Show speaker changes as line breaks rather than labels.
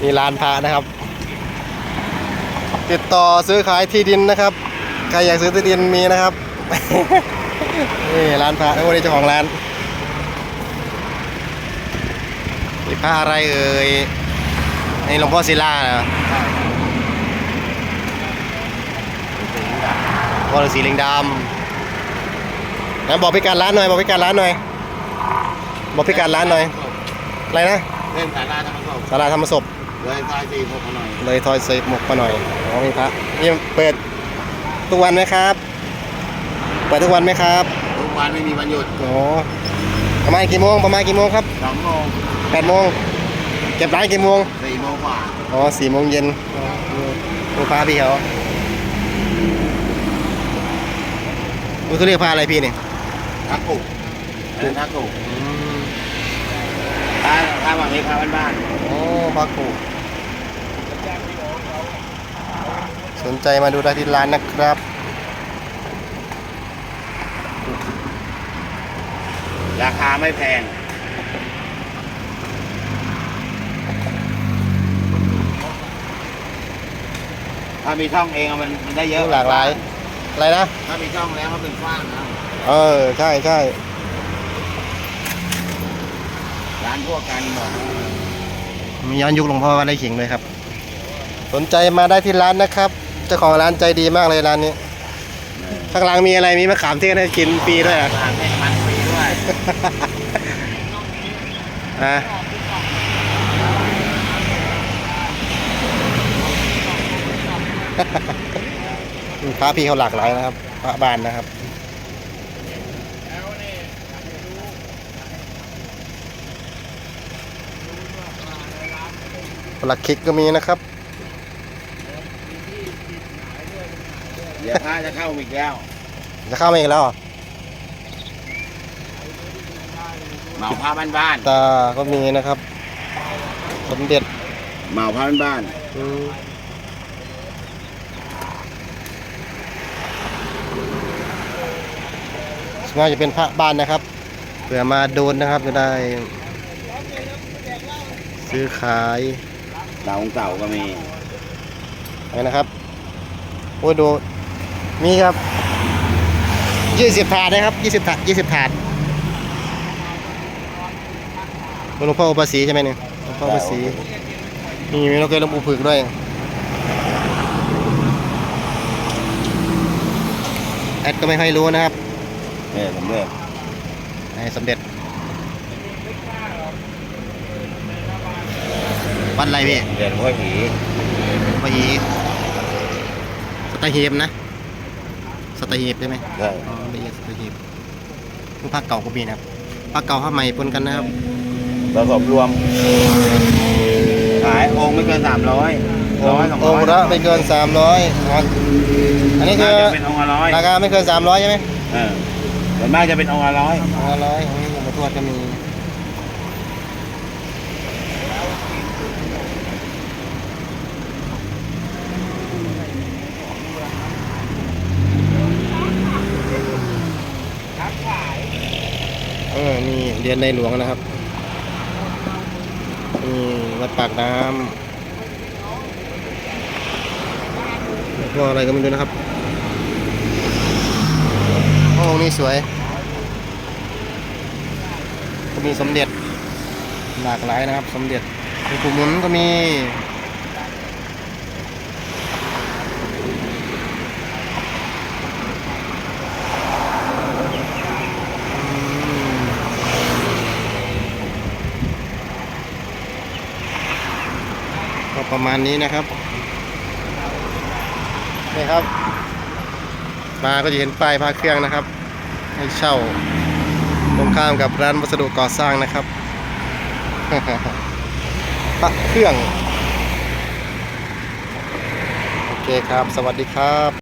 มีร้านพระนะครับติดต่อซื้อขายที่ดินนะครับใครอยากซื้อที่ดินมีนะครับ นี่ร้านพระทั้งหมดนี้เจ้าของร้านมีพระอะไรเอ่ยนี่หลวงพ่อศิลานะพ่อฤาษีลิงดำแล้วบอกพิกัดร้านหน่อยบอกพิกัดร้านหน่อยบอกพิกัดร้านหน่อยอะไรนะ
เล่นสาราธรรมศพ
ศาลาธรรมศพ
เลยซอย4 6มาหน่อย
เลยทอยเซฟหมกมาหน่อยอ๋อมีพระนี่เปิดทุกวันไหมครับเปิดทุกวันไหมครับ
ทุกวันไม่มีวันหยุด
อ๋อประมาณกี่โมงครับ
2 โมง
8 โมงเก็บร้านกี่โมง
4 โมงกว่า
อ๋อ4 โมงเย็นดูพระพี่เขาดูเขาเรียกพระอะไรพี่เนี่ย
ทักกุทักกุถ้าแบบนี้พาบ้าน
โอ้พระกูสนใจมาดูได้ที่ร้านนะครับ
ราคาไม่แพงถ้ามีช่องเองมันได้เยอะ
หลากหลายอะไรนะ
ถ้ามีช่องแล้วมันเป็นกว้างนะ
ใช่ใช่
ร้านพวกกันบอก
มีย้อนยุคหลวงพ่อวัดไร่ขิงเลยครับ สนใจมาได้ที่ร้านนะครับเจ้าของร้านใจดีมากเลยร้านนี้ข้างหลังมีอะไรมีมะขามเทศให้กินฟรีด้วยอ่ะ
ร้านให้มันฟรีด้วย
อ่ะพระพี่เขาหลากหลายนะครับพระบานนะครับหลักคิกก็มีนะครับ
เดี๋ยวพระจะเข้าอีกแล้ว
จะเข้ามาอีกแล้วเหรอ
เหมาพระบ้าน
ตาก็มีนะครับ สมเด็จ
ๆเหมาพระบ้าน
ส่วนมากจะเป็นพระบ้านนะครับเผื่อมาโดนนะครับจะได้ซื้อขาย
ๆเก่าก็มี
อะไรนะครับโอ้ยดูมีครับ20 ถาดนะครับ20 ถาดหลวงพ่ออุปสีใช่ไหมเนี่ยหลวงพ่ออุปสีมีนกเกยหลวงปู่ผึกด้วยแอดก็ไม่ค่อยรู้นะครับ
เนี่ยสมเด็จ
ไอ้สมเด็จวัดอะไรพี่
เด่นพ่อผี
วัดหีสตหีบนะสตหีบใช่ไหม
ใช่
อ๋อละเอียดสตหีบรูปภาคเก่าก็มีนะครับภาคเก่าภาคใหม่ปนกันนะครับ
ผสมรวมขายองค์ไม่เกิน300 100 200
องค์ละไม่เกิน300อันนี้คือ
จะเป็นองค์ละ100
ราคาไม่เกิน300ใช่ไหม
ส่วนมากจะเป็นองค์ละ100
องค์ละ100หลวงพ่อทวดก็มีนี่เรียนในหลวงนะครับนี่วัดปากน้ำแล้วก็อะไรก็ไม่รู้นะครับโอ้นี่สวยก็มีสมเด็จหลากหลายนะครับสมเด็จหลวงปู่หมุนก็มีก็ประมาณนี้นะครับนี่ครับมาก็จะเห็นป้ายพระเครื่องนะครับให้เช่าตรงข้ามกับร้านวัสดุก่อสร้างนะครับ พระเครื่องโอเคครับสวัสดีครับ